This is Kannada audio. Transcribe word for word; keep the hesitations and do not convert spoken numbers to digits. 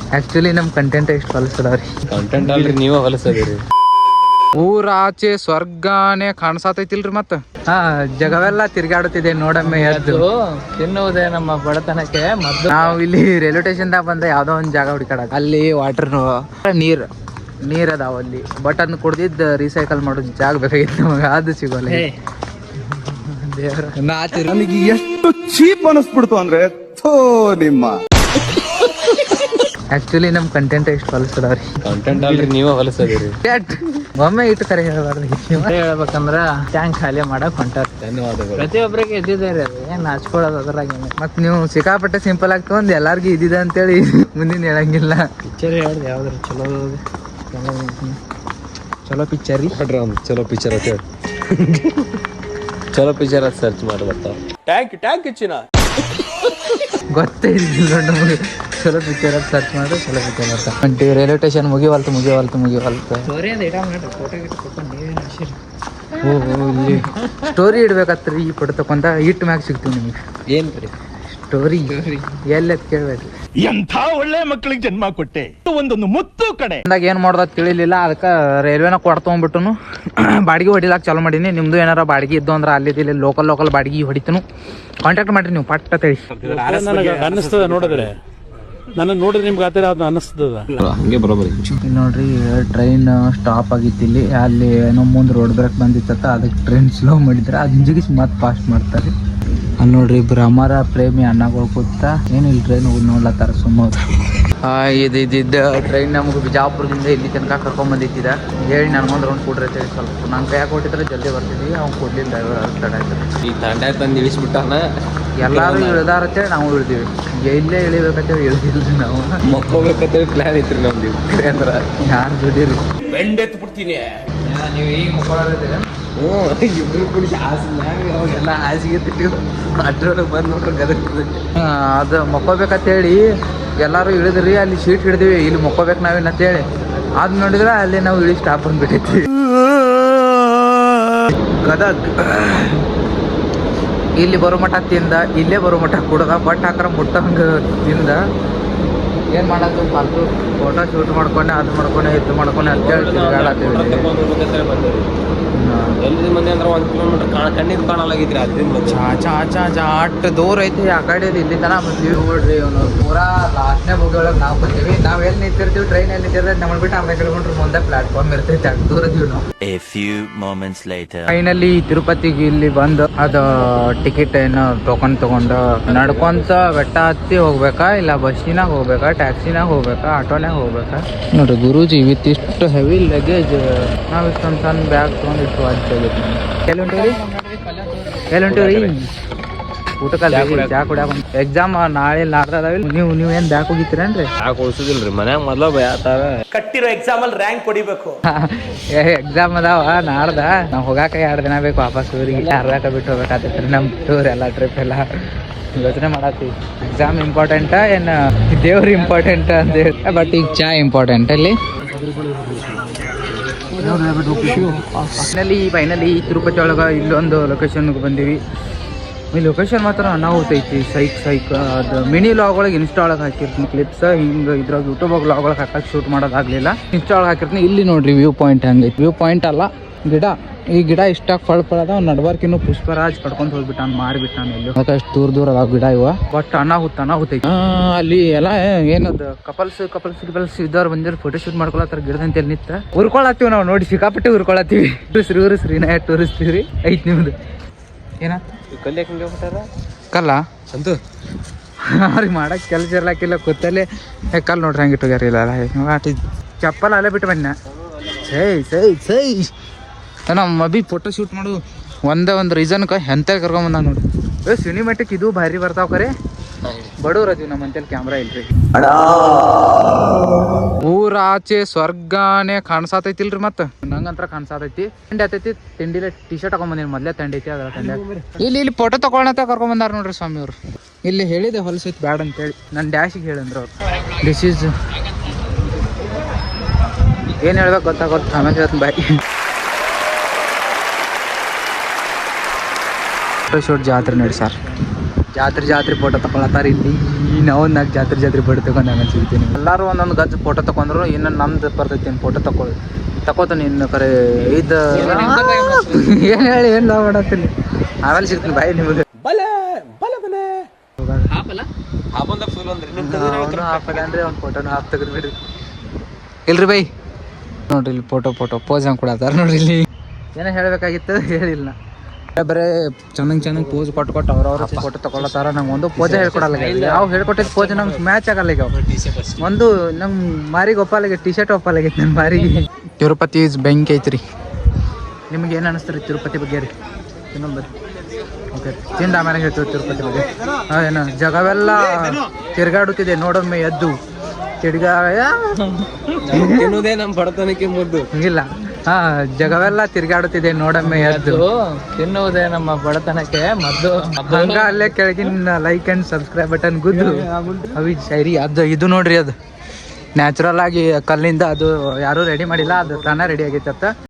ಆಕ್ಚುಲಿ ನಮ್ ಕಂಟೆಂಟ್ ಎಷ್ಟು ಹೊಲಸದವ್ರಿ. ಕಂಟೆಂಟ್ ಅಲ್ರಿ ನೀವೇ ಹೊಲಸದಿರಿ. ಊರಾಚೆ ಸ್ವರ್ಗಾನೇ ಕಾಣಿಸತೈತಿಲ್ರಿ ಮತ್ತ. ಹಾ ಜಗವೆಲ್ಲ ತಿರ್ಗಾಡುತ್ತಿದೆ ನೋಡಮ್ಮೆ ಎದ್ದು. ತಿನ್ನುವುದೇ ನಮ್ಮ ಬಡತನಕ್ಕೆ ಮೊದಲು. ನಾವು ಇಲ್ಲಿ ರೈಲ್ವೆ ಸ್ಟೇಷನ್ ದಾಗ ಬಂದ ಯಾವ್ದೋ ಒಂದ್ ಜಾಗ ಹುಡುಕಾಡ, ಅಲ್ಲಿ ವಾಟರ್ ನೀರ್ ನೀರ್ ಅದಾವ ಅಲ್ಲಿ. ಬಟ್ ಅದನ್ನ ಕುಡ್ದಿದ್ ರೀಸೈಕಲ್ ಮಾಡೋದು ಜಾಗ ಬೇಕಾಗಿತ್ತು ನಮಗೆ, ಅದು ಸಿಗೋಲ್ಲ. ನನಗೆ ಎಷ್ಟು ಚೀಪ್ ಅನಿಸ್ಬಿಡ್ತು ಅಂದ್ರೆ ನಿಮ್ಮ. ಆಕ್ಚುಲಿ ನಮ್ ಕಂಟೆಂಟ್ ಎಷ್ಟು ಹೊಲಸದವ್ರಿ. ಕಂಟೆಂಟ್ ಅಲ್ರಿ ನೀವೇ ಹೊಲಸದಿರಿ. ಒಮ್ಮೆ ಇಟ್ಟು ಕರೆ ಹೇಳ್ಬಾರ್ದು. ಹೇಳ್ಬೇಕಂದ್ರ ಟ್ಯಾಂಕ್ ಖಾಲಿ ಮಾಡಕ್ ಹೊಂಟಾರ. ಧನ್ಯವಾದಗಳು. ಪ್ರತಿಯೊಬ್ಬರಿಗೆ ಇದ್ದಿದೆ ರೀ, ಏನ್ ನಾಚ್ಕೊಳ್ಳೋದು ಅದ್ರಾಗ. ಮತ್ ನೀವು ಸಿಕ್ಕಾಪಟ್ಟೆ ಸಿಂಪಲ್ ಆಗ್ತವ ಒಂದ್ ಎಲ್ಲಾರ್ಗು ಇದ್ದಿದೆ ಅಂತೇಳಿ ಮುಂದಿನ ಹೇಳಂಗಿಲ್ಲ. ಪಿಕ್ಚರ್ ಹೇಳ್ದೆ ಯಾವ್ದ್ರ ಚಲೋ ಚಲೋ ಪಿಕ್ಚರ್ ರೀ. ಚಲೋ ಪಿಕ್ಚರ್ ಅಂತ ಹೇಳಿ ಚಲೋ ಪಿಕ್ಚರ್ ಅಂತ ಸರ್ಚ್ ಮಾಡಿ ಬರ್ತಾವ. ಟ್ಯಾಂಕ್ ಟ್ಯಾಂಕ್ ಹೆಚ್ಚಿನ ಗೊತ್ತೇ ಇದ್ದಿಲ್ಲ ನಮಗೆ. ಚಲೋ ಪಿಕ್ಚರ್ ಅಂತ ಸರ್ಚ್ ಮಾಡಿದ್ರೆ ಚಲೋ ಪಿಕ್ಚರ್ ಬರ್ತಾವ. ಅಂಟಿ ರೈಲ್ವೆ ಸ್ಟೇಷನ್ ಮುಗಿವಲ್ತು ಮುಗಿವಲ್ತು ಮುಗಿವಲ್ತು ಸ್ಟೋರಿ ಅಂತ ಇಡ ಮಾಡ್ರಿ, ಫೋಟೋ ಗಿಟ್ಟು ಕೊಟ್ಕೊಂಡು ನೀವೇನು ಹಸಿರಿ. ಓ ಇಲ್ಲಿ ಸ್ಟೋರಿ ಇಡ್ಬೇಕತ್ರಿ. ಈ ಫೋಟೋ ತಕೊಂಡ ಇಟ್ಟು ಮ್ಯಾಗ ಸಿಗ್ತೀವಿ ನಿಮಗೆ. ಏನ್ ಬರೀ ಸ್ಟೋರಿ ಎಲ್ಲದ್ ಕೇಳ್ಬೇಡ್ರಿ. ಎಂಥ ಒಳ್ಳೆ ಮಕ್ಕಳಿಗೆ ಜನ್ಮ ಕೊಟ್ಟೆ, ಒಂದೊಂದು ಮುತ್ತು ಕಡೆ. ಅಂದಾಗ ಏನ್ ಮಾಡ್ದ ತಿಳಿಲಿಲ್ಲ, ಅದಕ್ಕೆ ರೈಲ್ವೆನ ಕೊಡ್ತೊಂಡ್ಬಿಟ್ಟನು. ಬಾಡಿಗೆ ಹೊಡಿಲಾಕ ಚಾಲೂ ಮಾಡೀನಿ. ನಿಮ್ದು ಏನಾರ ಬಾಡಿಗೆ ಇದ್ದು ಅಂದ್ರೆ ಅಲ್ಲಿ ಇಲ್ಲಿ ಲೋಕಲ್ ಲೋಕಲ್ ಬಾಡಿಗೆ ಹೊಡಿತನು. ಕಾಂಟ್ಯಾಕ್ಟ್ ಮಾಡ್ರಿ ನೀವು ಪಟ್ಟ ತಿಳಿ. ಅನ್ನಿಸ್ತದ ನೋಡಿದ್ರೆ, ನನ್ನ ನೋಡಿದ್ರೆ ನಿಮ್ಗೆ ಆತರ ಅದು ಅನ್ನಿಸ್ತದ. ಹಂಗೆ ಬರೋಬರಿ. ಇಲ್ಲಿ ನೋಡ್ರಿ ಟ್ರೈನ್ ಸ್ಟಾಪ್ ಆಗಿತ್ತು ಇಲ್ಲಿ. ಅಲ್ಲಿ ಏನೋ ಮುಂದೆ ರೋಡ್ ಬ್ರೇಕ್ ಬಂದಿತ್ತ, ಅದಕ್ಕೆ ಟ್ರೈನ್ ಸ್ಲೋ ಮಾಡಿದ್ರೆ ಅದ್ ಜಿಗಿಸಿ ಮತ್ತೆ ಫಾಸ್ಟ್ ಮಾಡ್ತಾರೆ. ಅಲ್ಲಿ ನೋಡ್ರಿ ಇಬ್ರು ಅಮರ ಪ್ರೇಮಿ ಅಣ್ಣಗಳು ಕೂತ ಏನಿಲ್ಲ ಟ್ರೈನ್ ನೋಡ್ಲತ್ತಾರ ಸುಮಾರು. ಇದು ಇದ್ದಿದ್ದ ಟ್ರೈನ್ ನಮ್ಗೆ ಬಿಜಾಪುರದಿಂದ ಇಲ್ಲಿ ತನಕ ಕರ್ಕೊಂಡ್ ಬಂದಿದ್ದ. ಹೇಳಿ ನನ್ಗೊಂದು ರೌಂಡ್ ಕೊಡ್ರೈತೆ ಸ್ವಲ್ಪ. ನಾನು ಕೈ ಕೊಟ್ಟಿದ್ರೆ ಜಲ್ದಿ ಬರ್ತಿದ್ವಿ, ಅವ್ನು ಕೊಡ್ಲಿಲ್ಲ, ಡ್ರೈವರ್ ತಡ ಆಯ್ತು. ಈ ತಂಡ ತಂದು ಇಳಿಸ್ಬಿಟ್ಟಾನ. ಎಲ್ಲಾರು ಇಳ್ದಾರತ್ತೇಳಿ ನಾವು ಇಳ್ದೀವಿ. ಇಲ್ಲೇ ಇಳಿಬೇಕಂತೇಳಿ ಇಳ್ದಿಲ್ರಿ ನಾವು. ಮಕ್ಕೋಬೇಕಂತೇಳಿ ಪ್ಲಾನ್ ಐತ್ರಿ ನಮ್ದು. ಅಂದ್ರ ಯಾರು ದುಡೀರಿ ಬೆಂಡೆತ್ತು ಬಿಡ್ತೀನಿ. ನೀವು ಈಗ ಮಕ್ಕಳಿದ್ದೀರ. ಹ್ಞೂ ಇಬ್ರು ಕುಡಿ ಹಾಸಿಗೆ ಅವಾಗೆಲ್ಲ ಹಾಸಿಗೆ ತಿಟ್ಟು ಅದ್ರೊಳಗೆ ಬಂದು ನೋಡ್ರಿ ಗದಗ. ಅದು ಮಕ್ಕೋಬೇಕಂತೇಳಿ ಎಲ್ಲರೂ ಇಳಿದ್ರಿ. ಅಲ್ಲಿ ಶೀಟ್ ಹಿಡಿದಿವಿ, ಇಲ್ಲಿ ಮಕ್ಕೋಬೇಕು ನಾವೇನಂತೇಳಿ. ಅದ್ ನೋಡಿದ್ರೆ ಅಲ್ಲಿ ನಾವು ಇಳಿ ಸ್ಟಾಪ್ ಬಂದ್ಬಿಟ್ಟೈತಿ. ಗದಗ್ ಇಲ್ಲಿ ಬರೋ ಮಠ ತಿಂದ, ಇಲ್ಲೇ ಬರೋ ಮಠ ಕುಡ್ದ, ಬಟ್ ಹಾಕ್ರ ಮುಟ್ಟಂಗ ತಿಂದ. ಏನ್ ಮಾಡೋದು ಫಾಲ್ತು ಫೋಟೋ ಶೂಟ್ ಮಾಡ್ಕೊಂಡೆ, ಅದು ಮಾಡ್ಕೊಂಡೆ, ಇದು ಮಾಡ್ಕೊಂಡೆ ಅಂತೇಳಿ ತಿರ್ಗಾಡತ್ತೀವಿ. ಎಲ್ಲಿ ಮಂದಿ ಅಂದ್ರೆ ಒಂದು ಕಿಲೋಮೀಟರ್ ಕಾಣ ಕಣ್ಣಿಗೆ ಕಾಣಲಾಗಿದ್ರಿ ಅದರಿಂದ ಚಾ ಚಾ ಚಾ ಚಾ ಅಷ್ಟು ದೂರ ಐತಿ. ಆ ಕಡೆ ಇಲ್ಲಿ ತನ ಬಂದೀವಿ ನೋಡ್ರಿ. ಅವನು ಪೂರಾ ಲಾಸ್ಟ್ನೇ ಬೋಗಿ ಒಳಗೆ ನಾವು ಬಂದೀವಿ. ನಾವ್ ಎಲ್ಲಿ ನಿಂತಿರ್ತೀವಿ, ಟ್ರೈನ್ ಎಲ್ಲಿ ನಿಂತಿರ್ತೈತೆ ನಮ್ಮನ್ನ ಬಿಟ್ಟು ಅರ್ಧ ಕಿಲೋಮೀಟರ್ ಮುಂದೆ ಪ್ಲಾಟ್ಫಾರ್ಮ್ ಇರ್ತೈತೆ. ಅಷ್ಟು ದೂರ ಇದೀವಿ ನಾವು. ಫೈನಲಿ ತಿರುಪತಿಗೆ ಇಲ್ಲಿ ಬಂದು ಅದು ಟಿಕೆಟ್ ಏನೋ ಟೋಕನ್ ತಗೊಂಡು ನಡ್ಕೊಂತ ಬೆಟ್ಟ ಹತ್ತಿ ಹೋಗ್ಬೇಕಾ, ಇಲ್ಲ ಬಸ್ಸಿನಾಗ ಹೋಗ್ಬೇಕಾ, ಟ್ಯಾಕ್ಸಿನಾಗ ಹೋಗ್ಬೇಕಾ, ಆಟೋನಾಗ ಹೋಗ್ಬೇಕಾ. ನೋಡ್ರಿ ಗುರೂಜಿ ವಿತ್ ಇಷ್ಟು ಹೆವಿ ಲಗೇಜ್. ನಾವ್ ಇಷ್ಟೊಂದು ಸಣ್ಣ ಬ್ಯಾಗ್ ತಗೊಂಡು ಇಷ್ಟು ವಾಜ್ಯ ಆಗೈತಿ. ಎಲ್ಲಿ ಹೊಂಟೀವಿ ಎಲ್ಲಿ ಹೊಂಟೀವಿ ಊಟಕ್ಕಲ್ಲ ಚಾ ಕುಡಿಯಾಕ. ಎಕ್ಸಾಮ್ ನಾಳೆ ನಾಡ್ದಾವಿಲ್ಲ. ನೀವು ನೀವ್ ಏನ್ ಬ್ಯಾಗ್ ಹೋಗಿತ್ತೀರೇನ್ರಿ? ಯಾಕೆ ಉಳಿಸೋದಿಲ್ರಿ ಮನ್ಯಾಗ ಮೊದ್ಲ ಭಯತಾವ. ಕಟ್ಟಿರೋ ಎಕ್ಸಾಮ್ ಅಲ್ಲಿ ರ್ಯಾಂಕ್ ಹೊಡಿಬೇಕು. ಎಕ್ಸಾಮ್ ಅದಾವ ನಾಡ್ದ. ನಾವ್ ಹೋಗಾಕ ಎರಡು ದಿನ ಬೇಕು ವಾಪಸ್ ಊರಿಗೆ. ಅರ್ಧಾಕ ಬಿಟ್ಟು ಹೋಗ್ಬೇಕಾಗ್ತೈತ್ರಿ ನಮ್ ಟೂರ್ ಎಲ್ಲ ಟ್ರಿಪ್ ಎಲ್ಲ. ಯೋಚನೆ ಮಾಡತ್ತೀವಿ ಎಕ್ಸಾಮ್ ಇಂಪಾರ್ಟೆಂಟ ಏನ್ ದೇವ್ರ ಇಂಪಾರ್ಟೆಂಟ್ ಅಂತ ಹೇಳಿ. ಬಟ್ ಈಗ ಚಾ ಇಂಪಾರ್ಟೆಂಟ್. ಅಲ್ಲಿ ಫೈನಲಿ ಫೈನಲಿ ತಿರುಪತಿ ಒಳಗೆ ಇಲ್ಲೊಂದು ಲೊಕೇಶನ್ಗೆ ಬಂದೀವಿ. ಈ ಲೊಕೇಶನ್ ಮಾತ್ರ ಅನಾಹುತ ಐತಿ. ಸೈಕ್ ಸೈಕ್ ಅದು ಮಿನಿ ಲಾಗ್ ಒಳಗೆ ಇನ್ಸ್ಟಾ ಒಳಗೆ ಹಾಕಿರ್ತೀನಿ ಕ್ಲಿಪ್ಸ್. ಹಿಂಗೆ ಇದ್ರಾಗ ಯೂಟ್ಯೂಬ್ ಲಾಗ್ ಒಳಗೆ ಹಾಕಕ್ಕೆ ಶೂಟ್ ಮಾಡೋದಾಗಲಿಲ್ಲ. ಇನ್ಸ್ಟಾ ಒಳಗೆ ಹಾಕಿರ್ತೀನಿ. ಇಲ್ಲಿ ನೋಡ್ರಿ ವ್ಯೂ ಪಾಯಿಂಟ್ ಹಂಗೈತಿ. ವ್ಯೂ ಪಾಯಿಂಟ್ ಅಲ್ಲ ಗಿಡ. ಈ ಗಿಡ ಇಷ್ಟಾಗಿ ಫಳ ಫಳದ ನಡ್ಬಾರ್ಕಿನ್ನು ಪುಷ್ಪರಾಜ್ ಕಡ್ಕೊಂಡು ಹೋಗ್ಬಿಟ್ಟಾನ, ಮಾರಿಬಿಟ್ಟಾನ. ಇಲ್ಲಿ ಅಷ್ಟು ದೂರ ದೂರ ಅದಾವ ಗಿಡ ಇವ. ಬಟ್ ಅನಾಹುತ ಅನಾಹುತ ಐತಿ. ಅಲ್ಲಿ ಎಲ್ಲ ಏನದು ಕಪಲ್ಸ್ ಕಪಲ್ಸ್ ಗಿಪಲ್ಸ್ ಇದ್ದವ್ರು ಬಂದಿರೋ ಫೋಟೋ ಶೂಟ್ ಮಾಡ್ಕೊಳತ್ತಾರ ಗಿಡದಂತ ಎಲ್ಲಿ ನಿಂತ. ಉರ್ಕೊಳತ್ತೀವಿ ನಾವು ನೋಡಿ, ಸಿಕ್ಕಾಪಟ್ಟೆ ಉರ್ಕೊಳತ್ತೀವಿ. ಶ್ರೀ ಊರು ಶ್ರೀನಯ ಟೂರಿಸ್ತೀವಿ ಐತಿ ನಿಮ್ದು. ಏನಾತ ಕಲ್ಲಿ ಯಾಕೆ ಹೋಗ್ಬಿಟ್ಟಾರ ಕಲ್ಲ ಅಂತೂ ಅವ್ರಿಗೆ ಮಾಡಕ್ಕೆ ಕೆಲಸ ಇರ್ಲಾಕಿಲ್ಲ. ಕೂತಲ್ಲೇ ಕಲ್ಲು ನೋಡ್ರಿ ಹಂಗೆ ಇಟ್ಟೋಗ್ಯಾರ. ಇಲ್ಲ ಚಪ್ಪಲ್ ಅಲ್ಲೇ ಬಿಟ್ಟು ಬನ್ನ. ಸೈ ಸೈ ಸೈ ನಮ್ಮ ಅಭಿ ಫೋಟೋ ಶೂಟ್ ಮಾಡು ಒಂದೇ ಒಂದು ರೀಸನ್ಕ ಎಂತ ಕರ್ಕೊಂಬಂದ ನೋಡಿ. ಏ ಸಿನಿಮೆಟಿಕ್ ಇದು ಭಾರಿ ಬರ್ತಾವ ಕರೆ. ಬಡವ್ರ ಅದೀವಿ ನಮ್ಮ ಅಂತೇಳಿ ಕ್ಯಾಮ್ರಾ ಇಲ್ರಿ. ಊರಾಚೆ ಸ್ವರ್ಗಾನೇ ಕಾಣಿಸತೈತಿಲ್ರಿ. ಮತ್ತೆ ನಂಗಂತ್ರ ಕಾಣಿಸತೈತಿ. ತಿಂಡಿ ಆತೈತಿ. ತಿಂಡಿಲೆ ಟಿ ಶರ್ಟ್ ಹಾಕೊಂಬಂದಿನಿ. ಮೊದ್ಲೇ ತಂಡಿ ಐತಿ ಅದ್ರ ತಂಡಿ. ಇಲ್ಲಿ ಇಲ್ಲಿ ಫೋಟೋ ತಗೊಳತ ಕರ್ಕೊಂಬಂದಾರ ನೋಡ್ರಿ ಸ್ವಾಮಿ ಅವ್ರು. ಇಲ್ಲಿ ಹೇಳಿದೆ ಹೊಲಸೈತಿ ಬ್ಯಾಡ ಅಂತೇಳಿ. ನನ್ನ ಡ್ಯಾಶಿಗೆ ಹೇಳಂದ್ರ ಅವ್ರು. ದಿಸ್ ಈಸ್ ಏನು ಹೇಳ್ಬೇಕು ಗೊತ್ತಾಗೋದು ಆಮೇಲೆ ಹೇಳ್ತೀನಿ ಬಾಯ್. ಫೋಟೋ ಶೂಟ್ ಜಾತ್ರೆ ನೋಡಿ ಸರ್. ಜಾತ್ರೆ ಜಾತ್ರೆ ಫೋಟೋ ತಗೊಳತ್ತಾರ ಇಲ್ಲಿ ನಾವು ನಾಲ್ಕು ಜಾತ್ರೆ ಜಾತ್ರೆ ಫೋಟೋ ತಗೊಂಡು ಆಮೇಲೆ ಸಿಗ್ತೀನಿ. ಎಲ್ಲರೂ ಒಂದೊಂದು ಗಜ್ ಫೋಟೋ ತಗೊಂಡ್ರು ಇನ್ನು ನಮ್ದು ಬರ್ತೈತಿ ಫೋಟೋ ತಗೊಳ್ಳಿ ತಗೋತಾನೆ ಇನ್ನು ಕರೆ ಇದು ಏನು ಹೇಳಿ ಏನು ಲವ್ ಮಾಡತ್ತೀನಿ ಆಮೇಲೆ ಸಿಗ್ತೀನಿ ಬಾಯಿ ನಿಮಗೆ ಹಾಫಲ್ಲ ಅಂದ್ರೆ ಒಂದು ಫೋಟೋನು ಹಾಫ್ ತೆಗೆದು ಬಿಡ್ರಿ ಇಲ್ರಿ ಬೈ ನೋಡ್ರಿ ಇಲ್ಲಿ ಫೋಟೋ ಫೋಟೋ ಪೋಸ್ ಹಂಗೆ ಕೊಡತ್ತಾರ ನೋಡ್ರಿ ಇಲ್ಲಿ ಏನೋ ಹೇಳಬೇಕಾಗಿತ್ತು ಹೇಳಿಲ್ಲ ಬರೇ ಚೆನ್ನಾಗಿ ಚೆನ್ನಾಗಿ ಪೋಸ್ ಕೊಟ್ಟು ಕೊಟ್ಟು ಅವ್ರವ್ರ ಫೋಟೋ ತಗೊಳತ್ತಾರ ನಂಗೆ ಒಂದು ಪೋಜೆ ಹೇಳ್ಕೊಡಲ್ಲ ನಾವು ಹೇಳ್ಕೊಟ್ಟಿದ್ದು ಪೋಜ್ ನಂಗೆ ಮ್ಯಾಚ್ ಆಗಲ್ಲ ಈಗ ಒಂದು ನಂಗೆ ಮಾರಿಗೆ ಒಪ್ಪಾಲಾಗೈತೆ ಟಿ ಶರ್ಟ್ ಒಪ್ಪಾಲಾಗೈತೆ ನನ್ನ ಮಾರಿಗೆ. ತಿರುಪತಿ ಬೆಂಕಿ ಐತ್ರಿ. ನಿಮ್ಗೆ ಏನು ಅನಿಸ್ತೀರಿ ತಿರುಪತಿ ಬಗ್ಗೆ ರೀ? ಇನ್ನೊಂದು ಬರ್ರಿ ಓಕೆ ತಿಂದ ಆಮೇಲೆ ಹೇಳ್ತೀವಿ ತಿರುಪತಿ ಬಗ್ಗೆ. ಹಾಂ ಏನು ಜಗವೆಲ್ಲ ತಿರ್ಗಾಡುತ್ತಿದೆ ನೋಡೊಮ್ಮೆ ಎದ್ದು ತಿರ್ಗಾ ತಿನ್ನೋದೇ ನಮ್ಮ ಬಡತನಕ್ಕೆ ಮುದ್ದು ಹಂಗಿಲ್ಲ ಹಾ ಜಗವೆಲ್ಲ ತಿರ್ಗಾಡುತ್ತಿದೆ ನೋಡೊಮ್ಮೆ ಎದ್ದು ತಿನ್ನುವುದೇ ನಮ್ಮ ಬಡತನಕ್ಕೆ ಮದ್ದು. ಹಂಗ ಅಲ್ಲೇ ಕೆಳಗಿನ ಲೈಕ್ ಅಂಡ್ ಸಬ್ಸ್ಕ್ರೈಬ್ ಬಟನ್ ಗುದ್ದು ಅವಿ ಶೈರಿ ಅದು ಇದು ನೋಡ್ರಿ ಅದು ನ್ಯಾಚುರಲ್ ಆಗಿ ಕಲ್ಲಿಂದ ಅದು ಯಾರೂ ರೆಡಿ ಮಾಡಿಲ್ಲ ಅದು ತಾನೇ ರೆಡಿ ಆಗೈತೆ.